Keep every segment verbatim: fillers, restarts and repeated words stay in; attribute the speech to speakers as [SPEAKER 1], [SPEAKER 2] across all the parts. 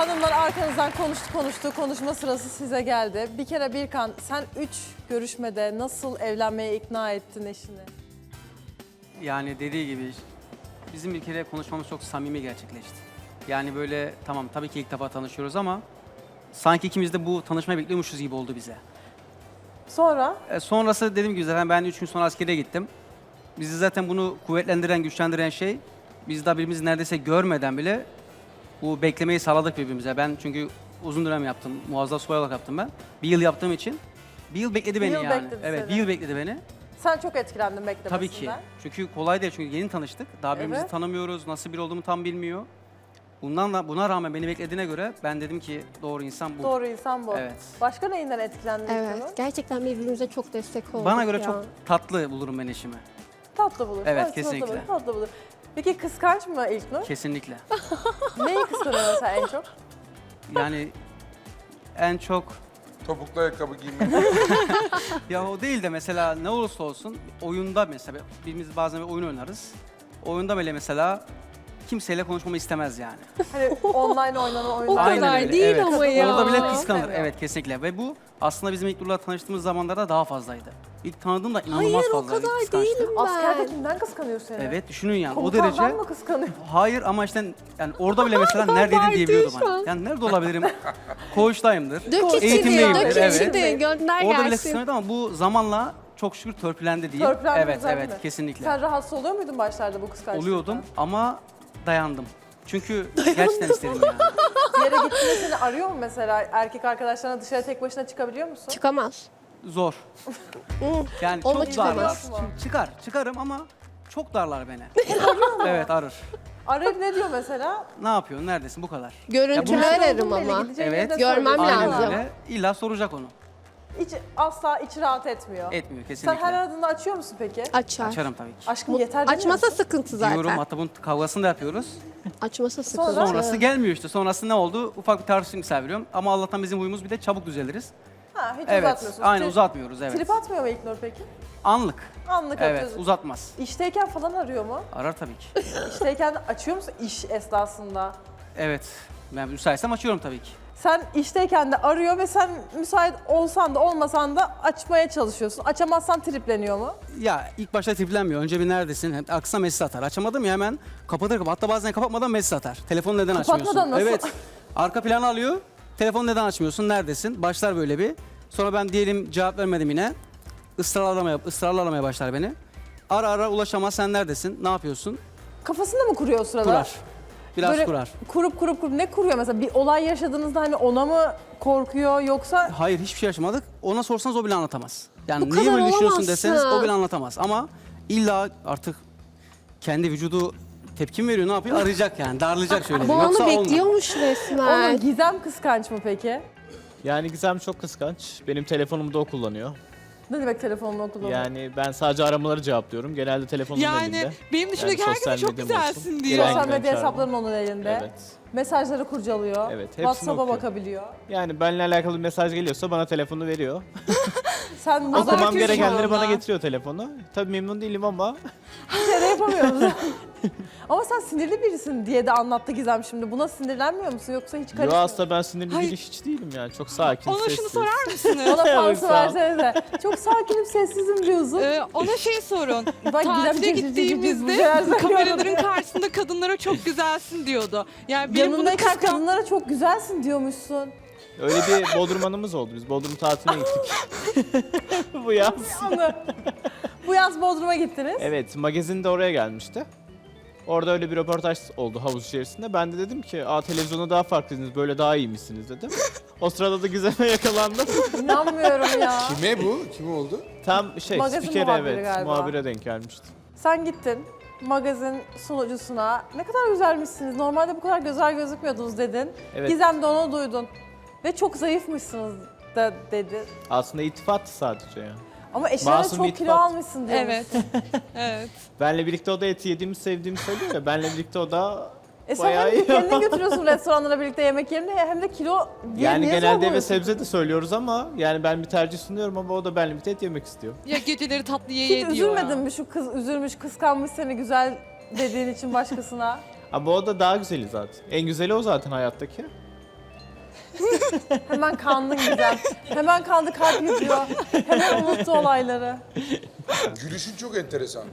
[SPEAKER 1] Hanımlar arkanızdan konuştu konuştu, konuşma sırası size geldi. Bir kere Birkan, sen üç görüşmede nasıl evlenmeye ikna ettin eşini?
[SPEAKER 2] Yani dediği gibi bizim bir kere konuşmamız çok samimi gerçekleşti. Yani böyle tamam tabii ki ilk defa tanışıyoruz ama sanki ikimiz de bu tanışmayı bekliyormuşuz gibi oldu bize.
[SPEAKER 1] Sonra?
[SPEAKER 2] E, sonrası dediğim gibi zaten ben üç gün sonra askere gittim. Bizi zaten bunu kuvvetlendiren, güçlendiren şey biz daha birbirimizi neredeyse görmeden bile bu beklemeyi sağladık birbirimize. Ben çünkü uzun dönem yaptım, muazzaf subay olarak yaptım ben. Bir yıl yaptığım için bir yıl bekledi
[SPEAKER 1] Bir
[SPEAKER 2] beni
[SPEAKER 1] yıl
[SPEAKER 2] yani.
[SPEAKER 1] bekledi
[SPEAKER 2] Evet,
[SPEAKER 1] seni.
[SPEAKER 2] bir yıl bekledi beni.
[SPEAKER 1] Sen çok etkilendin beklemesinden.
[SPEAKER 2] Tabii ki. Çünkü kolay değil çünkü yeni tanıştık. Daha birbirimizi
[SPEAKER 1] Evet.
[SPEAKER 2] tanımıyoruz, nasıl biri olduğumu tam bilmiyor. Bundan da buna rağmen beni beklediğine göre ben dedim ki doğru insan bu.
[SPEAKER 1] Doğru insan bu.
[SPEAKER 2] Evet.
[SPEAKER 1] Başka neyinden etkilendin? İlknur?
[SPEAKER 3] Evet, gerçekten birbirimize çok destek olduk
[SPEAKER 2] Bana göre
[SPEAKER 3] ya.
[SPEAKER 2] çok tatlı bulurum ben eşimi.
[SPEAKER 1] Tatlı bulur.
[SPEAKER 2] Evet,
[SPEAKER 1] tatlı
[SPEAKER 2] kesinlikle.
[SPEAKER 1] bulur, tatlı bulur. Peki kıskanç mı İlknur?
[SPEAKER 2] Kesinlikle.
[SPEAKER 1] Neyi kıskanıyor mesela en çok?
[SPEAKER 2] Yani en çok
[SPEAKER 4] Topuklu ayakkabı giymek.
[SPEAKER 2] ya o değil de mesela ne olursa olsun oyunda mesela birimiz bazen bir oyun oynarız. Oyunda bile mesela kimseyle konuşmamı istemez yani.
[SPEAKER 1] Hani online oynanan
[SPEAKER 3] O
[SPEAKER 1] oyunlar.
[SPEAKER 2] Aynen
[SPEAKER 3] kadar
[SPEAKER 2] öyle,
[SPEAKER 3] değil
[SPEAKER 2] evet.
[SPEAKER 3] ama ya.
[SPEAKER 2] Orada bile
[SPEAKER 1] Kıskanıyor.
[SPEAKER 2] kıskanır. Evet kesinlikle. Ve bu aslında bizim ilk Nur'la tanıştığımız zamanlarda daha fazlaydı. İlk tanıdığımda inanılmaz
[SPEAKER 3] Hayır, o
[SPEAKER 2] fazlaydı.
[SPEAKER 3] kadar
[SPEAKER 2] kıskançtı.
[SPEAKER 3] değilim.
[SPEAKER 1] Askerde
[SPEAKER 3] Ben-
[SPEAKER 1] kimden kıskanıyor seni?
[SPEAKER 2] Evet düşünün yani o
[SPEAKER 1] Komutandan
[SPEAKER 2] derece.
[SPEAKER 1] mı kıskanıyor?
[SPEAKER 2] Hayır ama işte yani orada bile mesela neredeydin diyebiliyordu
[SPEAKER 3] şu
[SPEAKER 2] bana.
[SPEAKER 3] an.
[SPEAKER 2] Yani nerede olabilirim? Koğuştayımdır.
[SPEAKER 3] Dök içini,
[SPEAKER 2] Eğitimdeyimdir,
[SPEAKER 3] dök
[SPEAKER 2] evet.
[SPEAKER 3] içini, gönder
[SPEAKER 2] Orada bile
[SPEAKER 3] gelsin.
[SPEAKER 2] kıskanıyordu ama bu zamanla çok şükür törpülendi diyeyim.
[SPEAKER 1] Törpülendi
[SPEAKER 2] Evet
[SPEAKER 1] zaten
[SPEAKER 2] evet
[SPEAKER 1] mi?
[SPEAKER 2] kesinlikle.
[SPEAKER 1] Sen rahatsız oluyor muydun başlarda bu kıskançlıktan?
[SPEAKER 2] Oluyordum ama dayandım. Çünkü gerçekten istedim yani.
[SPEAKER 1] Bir yere gittiğinde seni arıyor mu mesela? Erkek arkadaşlarına dışarı tek başına çıkabiliyor musun?
[SPEAKER 3] Çıkamaz.
[SPEAKER 2] Zor. Yani
[SPEAKER 3] Onunla
[SPEAKER 2] çok darlar.
[SPEAKER 1] çıkamaz mı?
[SPEAKER 2] Çıkar, çıkarım ama çok darlar beni. Evet arır.
[SPEAKER 1] Arayıp ne diyor mesela?
[SPEAKER 2] Ne yapıyorsun, neredesin bu kadar.
[SPEAKER 3] Görüntülü
[SPEAKER 2] Ya bunu-
[SPEAKER 3] ararım
[SPEAKER 1] Belli,
[SPEAKER 3] ama.
[SPEAKER 1] gideceğin
[SPEAKER 2] Evet.
[SPEAKER 1] yerde
[SPEAKER 3] Görmem
[SPEAKER 1] söylüyorsun.
[SPEAKER 2] Aynen
[SPEAKER 3] lazım.
[SPEAKER 2] öyle. İlla soracak onu.
[SPEAKER 1] Hiç, asla iç rahat etmiyor.
[SPEAKER 2] Etmiyor
[SPEAKER 1] Sen
[SPEAKER 2] kesinlikle.
[SPEAKER 1] her aradığında açıyor musun peki?
[SPEAKER 3] Açar.
[SPEAKER 2] Açarım tabii ki.
[SPEAKER 1] Aşkım yeter demiyor
[SPEAKER 3] Açmasa
[SPEAKER 1] musun?
[SPEAKER 3] sıkıntı zaten.
[SPEAKER 2] Diyorum hatta bunun kavgasını da yapıyoruz.
[SPEAKER 3] Açmasa sıkıntı.
[SPEAKER 1] Sonra?
[SPEAKER 2] Sonrası gelmiyor işte. Sonrası ne oldu? Ufak bir tartışma misal veriyorum. Ama Allah'tan bizim huyumuz bir de çabuk düzeliriz.
[SPEAKER 1] Ha, hiç
[SPEAKER 2] Evet.
[SPEAKER 1] uzatmıyorsunuz.
[SPEAKER 2] Aynen
[SPEAKER 1] Tri-
[SPEAKER 2] uzatmıyoruz evet.
[SPEAKER 1] Trip atmıyor mu İlknur peki?
[SPEAKER 2] Anlık.
[SPEAKER 1] Anlık
[SPEAKER 2] Evet
[SPEAKER 1] atıyorsun.
[SPEAKER 2] uzatmaz.
[SPEAKER 1] İşteyken falan arıyor mu?
[SPEAKER 2] Arar tabii ki.
[SPEAKER 1] İşteyken açıyor musun iş esnasında?
[SPEAKER 2] Evet. Ben müsaitsem açıyorum tabii ki.
[SPEAKER 1] Sen işteyken de arıyor ve sen müsait olsan da olmasan da açmaya çalışıyorsun. Açamazsan tripleniyor mu?
[SPEAKER 2] Ya ilk başta triplenmiyor. Önce bir neredesin? Hem aksına mesaj atar. Açamadım ya hemen kapatır kapat. Hatta bazen kapatmadan mesaj atar. Telefonu neden
[SPEAKER 1] Kapatmadan
[SPEAKER 2] açmıyorsun?
[SPEAKER 1] nasıl?
[SPEAKER 2] Evet. Arka planı alıyor. Telefonu neden açmıyorsun? Neredesin? Başlar böyle bir. Sonra ben diyelim cevap vermedim yine. Israrla aramaya, ısrarla aramaya başlar beni. Ara ara ulaşamaz. Sen neredesin? Ne yapıyorsun?
[SPEAKER 1] Kafasında mı kuruyor o sırada?
[SPEAKER 2] Kurar. Biraz
[SPEAKER 1] Böyle
[SPEAKER 2] kurar.
[SPEAKER 1] Kurup kurup kurup ne kuruyor mesela? Bir olay yaşadığınızda hani ona mı korkuyor yoksa
[SPEAKER 2] Hayır hiçbir şey yaşamadık. Ona sorsanız o bile anlatamaz. Yani
[SPEAKER 3] Bu
[SPEAKER 2] niye
[SPEAKER 3] kadar
[SPEAKER 2] böyle düşünüyorsun
[SPEAKER 3] olamazsın.
[SPEAKER 2] deseniz o bile anlatamaz. Ama illa artık kendi vücudu tepki mi veriyor ne yapıyor arayacak yani darlayacak şöyle.
[SPEAKER 3] Bu
[SPEAKER 2] bir. Yoksa
[SPEAKER 3] anı
[SPEAKER 2] olmaz.
[SPEAKER 3] bekliyormuş
[SPEAKER 1] onun
[SPEAKER 3] resmen.
[SPEAKER 1] Gizem kıskanç mı peki?
[SPEAKER 5] Yani Gizem çok kıskanç. Benim telefonumu da o kullanıyor.
[SPEAKER 1] Ne demek telefonunu kullanıyor?
[SPEAKER 5] Yani ben sadece aramaları cevaplıyorum. Genelde telefonum
[SPEAKER 6] Yani
[SPEAKER 5] elinde.
[SPEAKER 6] benim dışındaki
[SPEAKER 5] Yani
[SPEAKER 6] herkese
[SPEAKER 5] sosyal
[SPEAKER 6] çok
[SPEAKER 5] medyam olsun.
[SPEAKER 6] güzelsin diyor.
[SPEAKER 5] Gelen
[SPEAKER 1] Sosyal
[SPEAKER 5] giden
[SPEAKER 1] medya
[SPEAKER 5] çağırma.
[SPEAKER 1] hesapların onun elinde.
[SPEAKER 5] Evet.
[SPEAKER 1] Mesajları kurcalıyor.
[SPEAKER 5] Evet, hepsini
[SPEAKER 1] WhatsApp'a
[SPEAKER 5] okuyor.
[SPEAKER 1] bakabiliyor.
[SPEAKER 5] Yani benimle alakalı bir mesaj geliyorsa bana telefonu veriyor.
[SPEAKER 1] Sen
[SPEAKER 6] O
[SPEAKER 1] o
[SPEAKER 6] zaman
[SPEAKER 5] Okumam
[SPEAKER 6] kötü
[SPEAKER 5] gerekenleri
[SPEAKER 6] şu
[SPEAKER 5] bana
[SPEAKER 6] anda.
[SPEAKER 5] getiriyor telefonu. Tabii memnun değilim ama
[SPEAKER 1] şey de yapamıyor musun? Ama sen sinirli birisin diye de anlattı Gizem şimdi. Buna sinirlenmiyor musun yoksa hiç
[SPEAKER 5] yo
[SPEAKER 1] karışmıyor?
[SPEAKER 5] aslında ben sinirli
[SPEAKER 6] Hayır.
[SPEAKER 5] biri hiç değilim yani. Çok sakin,
[SPEAKER 6] Ona
[SPEAKER 5] sessiz.
[SPEAKER 6] şunu sorar mısınız?
[SPEAKER 1] Ona fansı
[SPEAKER 5] Sağ ol.
[SPEAKER 1] versenize. Çok sakinim, sessizim diyorsun.
[SPEAKER 6] Ee, ona şey sorun.
[SPEAKER 1] Bak Gizem
[SPEAKER 6] Tatile
[SPEAKER 1] cız cız cız cız bu
[SPEAKER 6] gittiğimizde
[SPEAKER 1] şeyler söylüyor.
[SPEAKER 6] kameraların karşısında kadınlara çok güzelsin diyordu. Yani benim bunu
[SPEAKER 1] Yanındayken
[SPEAKER 6] kıskan...
[SPEAKER 1] kadınlara çok güzelsin diyormuşsun.
[SPEAKER 5] Öyle bir Bodrum anımız oldu. Biz Bodrum tatiline gittik. Bu yaz.
[SPEAKER 1] Onu. Bu yaz Bodrum'a gittiniz.
[SPEAKER 5] Evet, magazin de oraya gelmişti. Orada öyle bir röportaj oldu havuz içerisinde. Ben de dedim ki, aa televizyonda daha farklıydınız, böyle daha iyiymişsiniz dedim. O sırada da Gizem'e yakalandım.
[SPEAKER 1] İnanmıyorum ya.
[SPEAKER 4] Kime bu? Kim oldu?
[SPEAKER 5] Tam şey,
[SPEAKER 1] Magazin
[SPEAKER 5] spikere
[SPEAKER 1] muhabiri
[SPEAKER 5] evet,
[SPEAKER 1] galiba.
[SPEAKER 5] muhabire denk gelmişti.
[SPEAKER 1] Sen gittin magazin sunucusuna. Ne kadar güzelmişsiniz. Normalde bu kadar güzel gözükmüyordunuz dedin.
[SPEAKER 5] Evet.
[SPEAKER 1] Gizem de onu duydun. Ve çok zayıfmışsınız da dedi.
[SPEAKER 5] Aslında iltifattı sadece ya.
[SPEAKER 1] Ama eşine de
[SPEAKER 5] Masum
[SPEAKER 1] çok
[SPEAKER 5] bir
[SPEAKER 1] kilo
[SPEAKER 5] iltifat.
[SPEAKER 1] almışsın diyormuş.
[SPEAKER 6] Evet. Evet.
[SPEAKER 5] Benle birlikte o da eti yediğimi sevdiğimi söylüyor ya. Benle birlikte o da
[SPEAKER 1] E sen
[SPEAKER 5] bayağı
[SPEAKER 1] hem
[SPEAKER 5] iyi.
[SPEAKER 1] kendini götürüyorsun restoranlara birlikte yemek yerine hem de kilo diye
[SPEAKER 5] Yani
[SPEAKER 1] niye
[SPEAKER 5] genelde eve
[SPEAKER 1] sormuyorsun?
[SPEAKER 5] sebze de söylüyoruz ama yani ben bir tercih sunuyorum ama o da benle birlikte et yemek istiyor.
[SPEAKER 6] Ya geceleri tatlı ye
[SPEAKER 1] Hiç
[SPEAKER 6] ye diyor
[SPEAKER 1] üzülmedin
[SPEAKER 6] ya.
[SPEAKER 1] mi şu kız üzülmüş, kıskanmış seni güzel dediğin için başkasına?
[SPEAKER 5] Ama o da daha güzeli zaten. En güzeli o zaten hayattaki.
[SPEAKER 1] Hemen kandın Gizem. Hemen kandı, kalp yapıyor. Hemen unuttu olayları.
[SPEAKER 4] Gülüşün çok enteresan.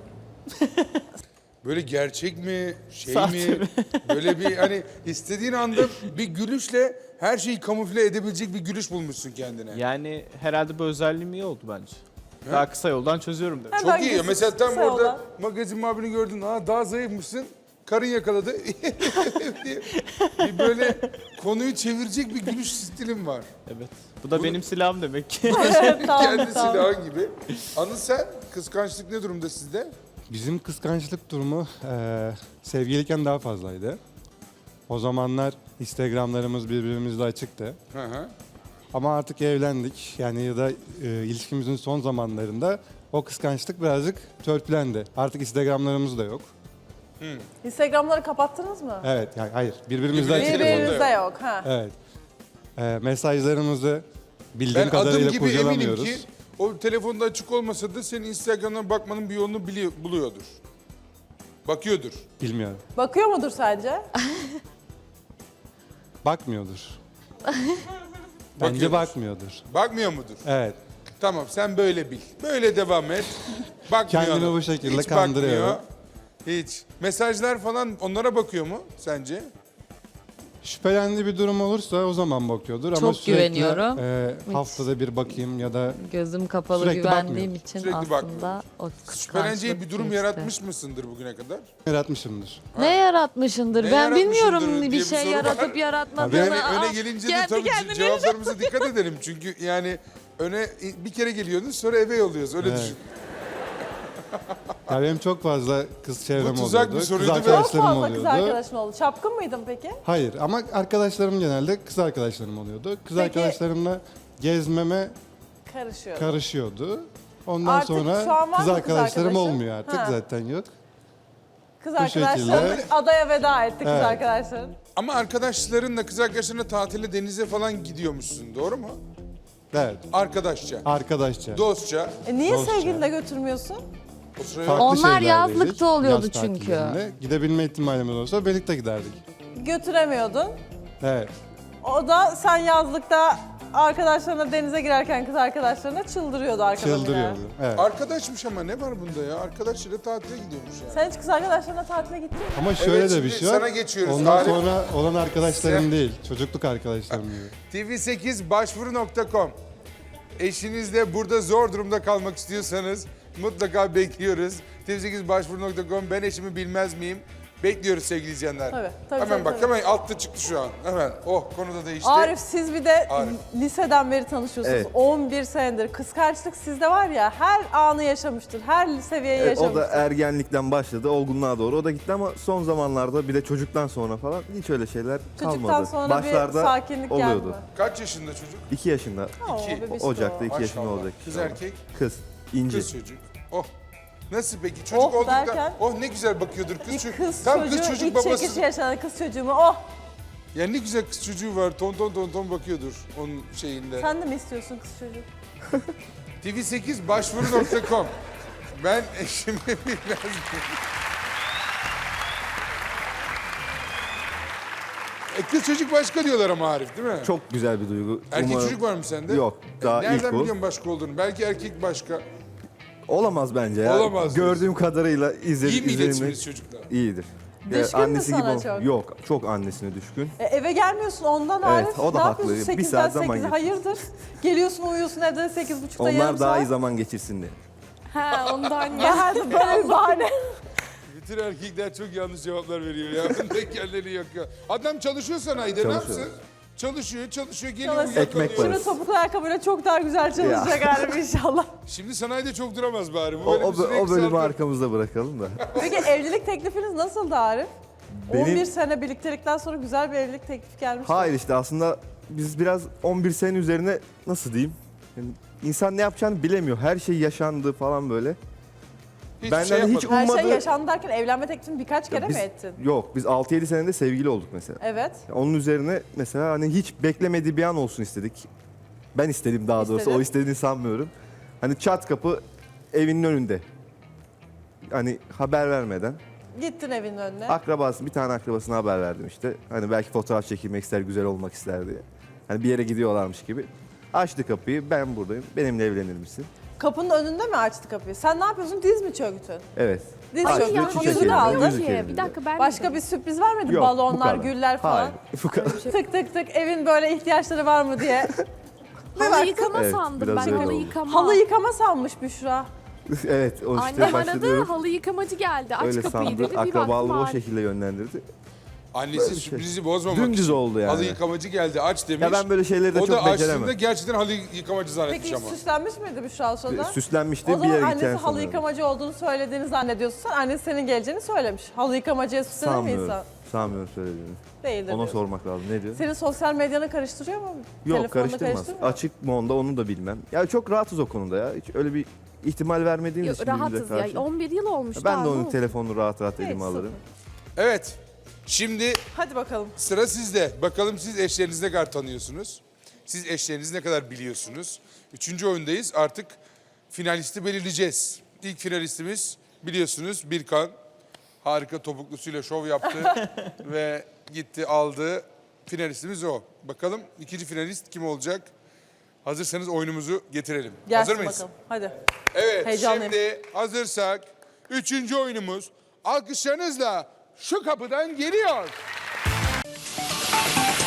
[SPEAKER 4] Böyle gerçek mi, şey
[SPEAKER 5] Sahte
[SPEAKER 4] mi?
[SPEAKER 5] mi?
[SPEAKER 4] Böyle bir hani istediğin anda bir gülüşle her şeyi kamufle edebilecek bir gülüş bulmuşsun kendine.
[SPEAKER 5] Yani herhalde bu özelliğim iyi oldu bence. Daha kısa yoldan çözüyorum demek.
[SPEAKER 1] Hemen
[SPEAKER 4] Çok iyi.
[SPEAKER 1] gülsün,
[SPEAKER 4] Mesela tam
[SPEAKER 1] kısa
[SPEAKER 4] orada
[SPEAKER 1] yoldan.
[SPEAKER 4] magazin muhabirini gördün. Aa daha zayıfmışsın. Karın yakaladı. diye bir böyle konuyu çevirecek bir gülüş stilin var.
[SPEAKER 5] Evet. Bu da benim silahım demek ki.
[SPEAKER 1] Evet, tamam,
[SPEAKER 4] Kendi
[SPEAKER 1] tamam.
[SPEAKER 4] silahın gibi. Anıl sen kıskançlık ne durumda sizde?
[SPEAKER 7] Bizim kıskançlık durumu eee sevgiliyken daha fazlaydı. O zamanlar Instagram'larımız birbirimizle açıktı.
[SPEAKER 4] Hı hı.
[SPEAKER 7] Ama artık evlendik. Yani ya da e, ilişkimizin son zamanlarında o kıskançlık birazcık törpülendi. Artık Instagram'larımız da yok.
[SPEAKER 1] Instagram'ları kapattınız mı?
[SPEAKER 7] Evet, yani hayır. Birbirimizle
[SPEAKER 4] Birbirine
[SPEAKER 7] açık.
[SPEAKER 4] telefonda
[SPEAKER 1] Birbirinizde yok. Ha.
[SPEAKER 7] Evet. Eee, mesajlarımızı bildiğim
[SPEAKER 4] Ben adım
[SPEAKER 7] kadarıyla
[SPEAKER 4] gibi eminim
[SPEAKER 7] kurcalamıyoruz.
[SPEAKER 4] ki o telefonda açık olmasa da senin Instagram'dan bakmanın bir yolunu biliyor, buluyordur. Bakıyordur.
[SPEAKER 7] Bilmiyorum.
[SPEAKER 1] Bakıyor mudur sence?
[SPEAKER 7] Bakmıyordur. Bence
[SPEAKER 4] Bakıyordur.
[SPEAKER 7] bakmıyordur.
[SPEAKER 4] Bakmıyor mudur?
[SPEAKER 7] Evet.
[SPEAKER 4] Tamam sen böyle bil. Böyle devam et. Bakmıyor.
[SPEAKER 7] Kendini
[SPEAKER 4] adam.
[SPEAKER 7] bu şekilde
[SPEAKER 4] Hiç
[SPEAKER 7] kandırıyor.
[SPEAKER 4] bakmıyor. Hiç. Mesajlar falan onlara bakıyor mu sence?
[SPEAKER 7] Şüphelendiği bir durum olursa o zaman bakıyordur. Ama
[SPEAKER 8] Çok
[SPEAKER 7] sürekli
[SPEAKER 8] güveniyorum.
[SPEAKER 7] e,
[SPEAKER 8] Hiç.
[SPEAKER 7] haftada bir bakayım ya da
[SPEAKER 8] Gözüm kapalı
[SPEAKER 7] Sürekli
[SPEAKER 8] güvendiğim
[SPEAKER 7] bakmıyorum.
[SPEAKER 8] için
[SPEAKER 4] Sürekli
[SPEAKER 8] aslında
[SPEAKER 4] bakmıyorum.
[SPEAKER 8] o
[SPEAKER 4] Şüpheleneceği bir
[SPEAKER 8] kıskançlık
[SPEAKER 4] durum
[SPEAKER 8] geçti.
[SPEAKER 4] yaratmış mısındır bugüne kadar?
[SPEAKER 7] yaratmışımdır.
[SPEAKER 8] Ne yaratmışındır?
[SPEAKER 4] Ne
[SPEAKER 8] ben
[SPEAKER 4] yaratmışındır
[SPEAKER 8] bilmiyorum
[SPEAKER 4] diye
[SPEAKER 8] bir
[SPEAKER 4] bir
[SPEAKER 8] şey
[SPEAKER 4] soru var.
[SPEAKER 8] yaratıp
[SPEAKER 4] Öne,
[SPEAKER 8] yaratmadığını.
[SPEAKER 4] öne
[SPEAKER 8] Aa,
[SPEAKER 4] gelince de
[SPEAKER 8] kendi
[SPEAKER 4] tabii
[SPEAKER 8] kendine
[SPEAKER 4] cevaplarımıza dikkat edelim. Çünkü yani öne bir kere geliyordun sonra eve yolluyoruz. Öyle
[SPEAKER 7] Evet.
[SPEAKER 4] düşün.
[SPEAKER 7] Ya benim çok fazla kız çevrem
[SPEAKER 4] Bu tuzak
[SPEAKER 7] oluyordu.
[SPEAKER 4] bir soruydu
[SPEAKER 7] Kız
[SPEAKER 4] ve-
[SPEAKER 1] Çok
[SPEAKER 7] arkadaşlarım
[SPEAKER 1] fazla
[SPEAKER 7] oluyordu.
[SPEAKER 1] kız arkadaşın oldu. Çapkın mıydın peki?
[SPEAKER 7] Hayır ama arkadaşlarım genelde kız arkadaşlarım oluyordu. Kız
[SPEAKER 1] Peki-
[SPEAKER 7] arkadaşlarımla gezmeme
[SPEAKER 1] Karışıyor.
[SPEAKER 7] karışıyordu. Ondan
[SPEAKER 1] Artık
[SPEAKER 7] sonra
[SPEAKER 1] şu an var
[SPEAKER 7] kız
[SPEAKER 1] mı kız
[SPEAKER 7] arkadaşlarım
[SPEAKER 1] arkadaşın?
[SPEAKER 7] olmuyor artık
[SPEAKER 1] Ha.
[SPEAKER 7] zaten yok.
[SPEAKER 1] Kız
[SPEAKER 7] bu
[SPEAKER 1] arkadaşların
[SPEAKER 7] şekilde-
[SPEAKER 1] adaya veda etti kız
[SPEAKER 7] Evet.
[SPEAKER 1] arkadaşların.
[SPEAKER 4] Ama arkadaşlarınla kız arkadaşlarına tatile denize falan gidiyormuşsun doğru mu?
[SPEAKER 7] Evet.
[SPEAKER 4] Arkadaşça,
[SPEAKER 7] Arkadaşça.
[SPEAKER 4] dostça.
[SPEAKER 1] E niye
[SPEAKER 7] Dostça.
[SPEAKER 1] sevgilinle götürmüyorsun?
[SPEAKER 4] O sıraya
[SPEAKER 7] Farklı
[SPEAKER 8] Onlar
[SPEAKER 7] şehirlerdeydik.
[SPEAKER 8] yazlıkta oluyordu
[SPEAKER 7] Yaz
[SPEAKER 8] çünkü.
[SPEAKER 7] tatillerinde. Gidebilme ihtimalimiz olsa birlikte giderdik.
[SPEAKER 1] Götüremiyordun.
[SPEAKER 7] Evet.
[SPEAKER 1] O da sen yazlıkta arkadaşlarına denize girerken kız arkadaşlarına çıldırıyordu arkadan
[SPEAKER 7] Çıldırıyordu.
[SPEAKER 1] yine.
[SPEAKER 7] Evet.
[SPEAKER 4] Arkadaşmış ama ne var bunda ya? Arkadaşıyla tatile gidiyormuş yani.
[SPEAKER 1] Sen hiç kız arkadaşlarına tatile gittin mi?
[SPEAKER 7] Ama şöyle
[SPEAKER 4] Evet,
[SPEAKER 7] de
[SPEAKER 4] şimdi
[SPEAKER 7] bir şey var.
[SPEAKER 4] sana geçiyoruz.
[SPEAKER 7] Ondan
[SPEAKER 4] Arif.
[SPEAKER 7] sonra olan arkadaşlarım
[SPEAKER 4] Sen-
[SPEAKER 7] değil. Çocukluk arkadaşlarım gibi.
[SPEAKER 4] T V sekiz başvuru nokta com. Eşinizle burada zor durumda kalmak istiyorsanız mutlaka bekliyoruz. T V sekiz başvuru nokta com. Ben eşimi bilmez miyim? Bekliyoruz sevgili izleyenler.
[SPEAKER 1] Tabii, tabii,
[SPEAKER 4] Hemen
[SPEAKER 1] tabii,
[SPEAKER 4] bak
[SPEAKER 1] tabii.
[SPEAKER 4] hemen altta çıktı şu an. Hemen. Oh konuda değişti.
[SPEAKER 1] Arif siz bir de
[SPEAKER 4] Arif.
[SPEAKER 1] liseden beri tanışıyorsunuz.
[SPEAKER 9] Evet.
[SPEAKER 1] on bir senedir. Kıskançlık sizde var ya her anı yaşamıştır. Her seviyeyi
[SPEAKER 9] Evet, o
[SPEAKER 1] yaşamıştır.
[SPEAKER 9] da ergenlikten başladı, olgunluğa doğru. O da gitti ama son zamanlarda bir de çocuktan sonra falan hiç öyle şeyler kalmadı.
[SPEAKER 1] Çocuktan sonra
[SPEAKER 9] Başlarda
[SPEAKER 1] bir sakinlik
[SPEAKER 9] oluyordu.
[SPEAKER 1] geldi mi?
[SPEAKER 4] Kaç yaşında çocuk?
[SPEAKER 9] iki yaşında,
[SPEAKER 1] Oo,
[SPEAKER 4] İki.
[SPEAKER 1] bebişko.
[SPEAKER 9] Ocak'ta iki yaşında
[SPEAKER 4] Maşallah.
[SPEAKER 9] olacak.
[SPEAKER 4] Kız
[SPEAKER 9] inşallah.
[SPEAKER 4] erkek,
[SPEAKER 9] Kız, İnci.
[SPEAKER 4] kız çocuk. Oh. Nasıl peki? Çocuk
[SPEAKER 1] Oh
[SPEAKER 4] olduğunda
[SPEAKER 1] derken?
[SPEAKER 4] oh ne güzel bakıyordur kız
[SPEAKER 1] Bir
[SPEAKER 4] çocuk.
[SPEAKER 1] kız
[SPEAKER 4] Tam
[SPEAKER 1] çocuğu
[SPEAKER 4] kız çocuk
[SPEAKER 1] iç
[SPEAKER 4] babası.
[SPEAKER 1] çekici yaşanan kız çocuğumu oh.
[SPEAKER 4] Ya ne güzel kız çocuğu var. Ton ton ton ton bakıyordur onun şeyinde.
[SPEAKER 1] Sen de mi istiyorsun kız çocuğu?
[SPEAKER 4] T V sekiz başvuru nokta com. Ben eşimi bilmez miyim? E kız çocuk başka diyorlar ama Arif değil mi?
[SPEAKER 9] Çok güzel bir duygu.
[SPEAKER 4] Erkek
[SPEAKER 9] Umarım-
[SPEAKER 4] çocuk var mı sende?
[SPEAKER 9] Yok, daha
[SPEAKER 4] E, Nereden
[SPEAKER 9] ilk bu.
[SPEAKER 4] biliyorsun başka olduğunu? Belki erkek başka.
[SPEAKER 9] Olamaz bence ya.
[SPEAKER 4] Olamaz
[SPEAKER 9] Gördüğüm kadarıyla izledim.
[SPEAKER 4] İyi mi iletişiminiz çocukla?
[SPEAKER 9] İyidir.
[SPEAKER 1] Düşkün mü sana
[SPEAKER 9] ol-
[SPEAKER 1] çok?
[SPEAKER 9] Yok, çok annesine düşkün.
[SPEAKER 1] E, eve gelmiyorsun ondan
[SPEAKER 9] Evet,
[SPEAKER 1] Arif.
[SPEAKER 9] o da
[SPEAKER 1] ne
[SPEAKER 9] haklı.
[SPEAKER 1] yapıyorsun
[SPEAKER 9] Bir
[SPEAKER 1] sekizden
[SPEAKER 9] saat zaman
[SPEAKER 1] sekize?
[SPEAKER 9] geçiyor.
[SPEAKER 1] Hayırdır? Geliyorsun uyuyorsun evde sekiz buçukta yarım
[SPEAKER 9] Onlar daha
[SPEAKER 1] saat.
[SPEAKER 9] iyi zaman geçirsin diye.
[SPEAKER 6] Ha ondan ya.
[SPEAKER 1] Geldi böyle bir bahane.
[SPEAKER 4] Bütün erkekler çok yanlış cevaplar veriyor ya. Bunda kendileri yok ya. Adam çalışıyor sanayide ne
[SPEAKER 9] Çalışıyor.
[SPEAKER 4] yapsın? Çalışıyor, çalışıyor, geliyor
[SPEAKER 1] Çalışıyor.
[SPEAKER 9] Ekmek
[SPEAKER 4] uyuyakalıyor.
[SPEAKER 9] parası.
[SPEAKER 1] Şunu topuklu ayakkabıyla çok daha güzel çalışacak Arif inşallah.
[SPEAKER 4] Şimdi sanayide çok duramaz bari. Bu
[SPEAKER 9] O,
[SPEAKER 4] böyle
[SPEAKER 9] o,
[SPEAKER 4] bir süre
[SPEAKER 9] o bölümü
[SPEAKER 4] kısaltır.
[SPEAKER 9] arkamızda bırakalım da.
[SPEAKER 1] Peki evlilik teklifiniz nasıldı Arif?
[SPEAKER 9] Benim-
[SPEAKER 1] on bir sene birliktelikten sonra güzel bir evlilik teklifi gelmiş.
[SPEAKER 9] Hayır işte aslında biz biraz on bir sene üzerine nasıl diyeyim? Yani insan ne yapacağını bilemiyor. Her şey yaşandı falan böyle.
[SPEAKER 4] Hiçbir
[SPEAKER 9] Benden
[SPEAKER 4] şey
[SPEAKER 9] hiç
[SPEAKER 4] yapmadım.
[SPEAKER 1] Her şey
[SPEAKER 9] ummadı.
[SPEAKER 1] yaşandı derken evlenme teklifini birkaç kere
[SPEAKER 9] biz,
[SPEAKER 1] mi ettin?
[SPEAKER 9] Yok biz altı yedi senede sevgili olduk mesela.
[SPEAKER 1] Evet.
[SPEAKER 9] Onun üzerine mesela hani hiç beklemediği bir an olsun istedik. Ben istedim daha doğrusu.
[SPEAKER 1] İstedin.
[SPEAKER 9] O istediğini sanmıyorum. Hani çat kapı evinin önünde. Hani haber vermeden.
[SPEAKER 1] Gittin evin önüne.
[SPEAKER 9] Akrabası, bir tane akrabasına haber verdim işte. Hani belki fotoğraf çekilmek ister, güzel olmak ister diye. Hani bir yere gidiyorlarmış gibi. Açtı kapıyı, ben buradayım, benimle evlenir misin?
[SPEAKER 1] Kapının önünde mi açtı kapıyı? Sen ne yapıyorsun? Diz mi çöktün?
[SPEAKER 9] Evet.
[SPEAKER 1] Diz
[SPEAKER 9] Açtı,
[SPEAKER 1] çöktün.
[SPEAKER 9] çiçek
[SPEAKER 1] Yüzük
[SPEAKER 9] elinde,
[SPEAKER 1] aldın.
[SPEAKER 9] yüzük elinde.
[SPEAKER 3] Bir dakika ben
[SPEAKER 1] Başka bir sürpriz vermedi.
[SPEAKER 9] Yok, bu
[SPEAKER 1] Balonlar,
[SPEAKER 9] kadar.
[SPEAKER 1] güller falan.
[SPEAKER 9] Hayır, bu kadar.
[SPEAKER 1] Tık tık tık evin böyle ihtiyaçları var mı diye.
[SPEAKER 3] halı yıkama
[SPEAKER 9] Evet,
[SPEAKER 3] sandım
[SPEAKER 9] biraz
[SPEAKER 3] ben
[SPEAKER 9] öyle
[SPEAKER 3] halı
[SPEAKER 9] oldu.
[SPEAKER 3] yıkama.
[SPEAKER 1] Halı yıkama sanmış Büşra.
[SPEAKER 9] Evet, o işte
[SPEAKER 3] Annem aradı
[SPEAKER 9] başlıyorum.
[SPEAKER 3] halı yıkamacı geldi aç
[SPEAKER 9] Öyle
[SPEAKER 3] kapıyı
[SPEAKER 9] sandı,
[SPEAKER 3] dedi bir baktım
[SPEAKER 9] akrabalığı o
[SPEAKER 3] ağır.
[SPEAKER 9] şekilde yönlendirdi.
[SPEAKER 4] Annesi sürprizi bozmamak
[SPEAKER 9] Dümdüz
[SPEAKER 4] için
[SPEAKER 9] oldu yani.
[SPEAKER 4] halı yıkamacı geldi aç demiş.
[SPEAKER 9] Ya ben böyle şeyleri de
[SPEAKER 4] o
[SPEAKER 9] çok
[SPEAKER 4] da
[SPEAKER 9] beceremem.
[SPEAKER 4] açtığında gerçekten halı yıkamacı zannetmiş
[SPEAKER 1] Peki
[SPEAKER 4] ama.
[SPEAKER 1] süslenmiş miydi Büşra o sırada?
[SPEAKER 9] Süslenmişti
[SPEAKER 1] O
[SPEAKER 9] bir
[SPEAKER 1] zaman
[SPEAKER 9] yere
[SPEAKER 1] annesi
[SPEAKER 9] gideceğini
[SPEAKER 1] halı
[SPEAKER 9] sanıyorum.
[SPEAKER 1] yıkamacı olduğunu söylediğini zannediyorsun. Sen annesi senin geleceğini söylemiş. Halı yıkamacıya süslenir mi
[SPEAKER 9] Sanmıyorum.
[SPEAKER 1] insan?
[SPEAKER 9] Sanmıyorum söylediğini.
[SPEAKER 1] Değildir
[SPEAKER 9] Ona
[SPEAKER 1] diyorsun.
[SPEAKER 9] sormak lazım. Ne diyor?
[SPEAKER 1] Senin sosyal medyanı karıştırıyor mu?
[SPEAKER 9] Yok
[SPEAKER 1] Telefonla
[SPEAKER 9] karıştırmaz.
[SPEAKER 1] karıştırmıyor mu?
[SPEAKER 9] Açık mı onda onu da bilmem. Ya çok rahatız o konuda ya. Hiç öyle bir ihtimal vermediğimiz
[SPEAKER 3] Yok,
[SPEAKER 9] için birbirimize
[SPEAKER 3] rahatız
[SPEAKER 9] karşı.
[SPEAKER 3] ya on bir yıl olmuş
[SPEAKER 9] Ben
[SPEAKER 3] daha,
[SPEAKER 9] de
[SPEAKER 3] ne
[SPEAKER 9] onun
[SPEAKER 3] oldu?
[SPEAKER 9] telefonunu rahat rahat
[SPEAKER 1] Hiç,
[SPEAKER 9] elime alırım.
[SPEAKER 4] Evet. Şimdi
[SPEAKER 1] Hadi bakalım.
[SPEAKER 4] sıra sizde. Bakalım siz eşlerinizi ne kadar tanıyorsunuz? Siz eşlerinizi ne kadar biliyorsunuz? Üçüncü oyundayız. Artık finalisti belirleyeceğiz. İlk finalistimiz biliyorsunuz Birkan. Harika topuklusuyla şov yaptı ve gitti aldı. Finalistimiz o. Bakalım ikinci finalist kim olacak? Hazırsanız oyunumuzu getirelim.
[SPEAKER 1] Gelsin
[SPEAKER 4] Hazır mıyız?
[SPEAKER 1] bakalım. Hadi.
[SPEAKER 4] Evet,
[SPEAKER 1] Heyecanlıyım.
[SPEAKER 4] şimdi hazırsak üçüncü oyunumuz alkışlarınızla şu kapıdan geliyor.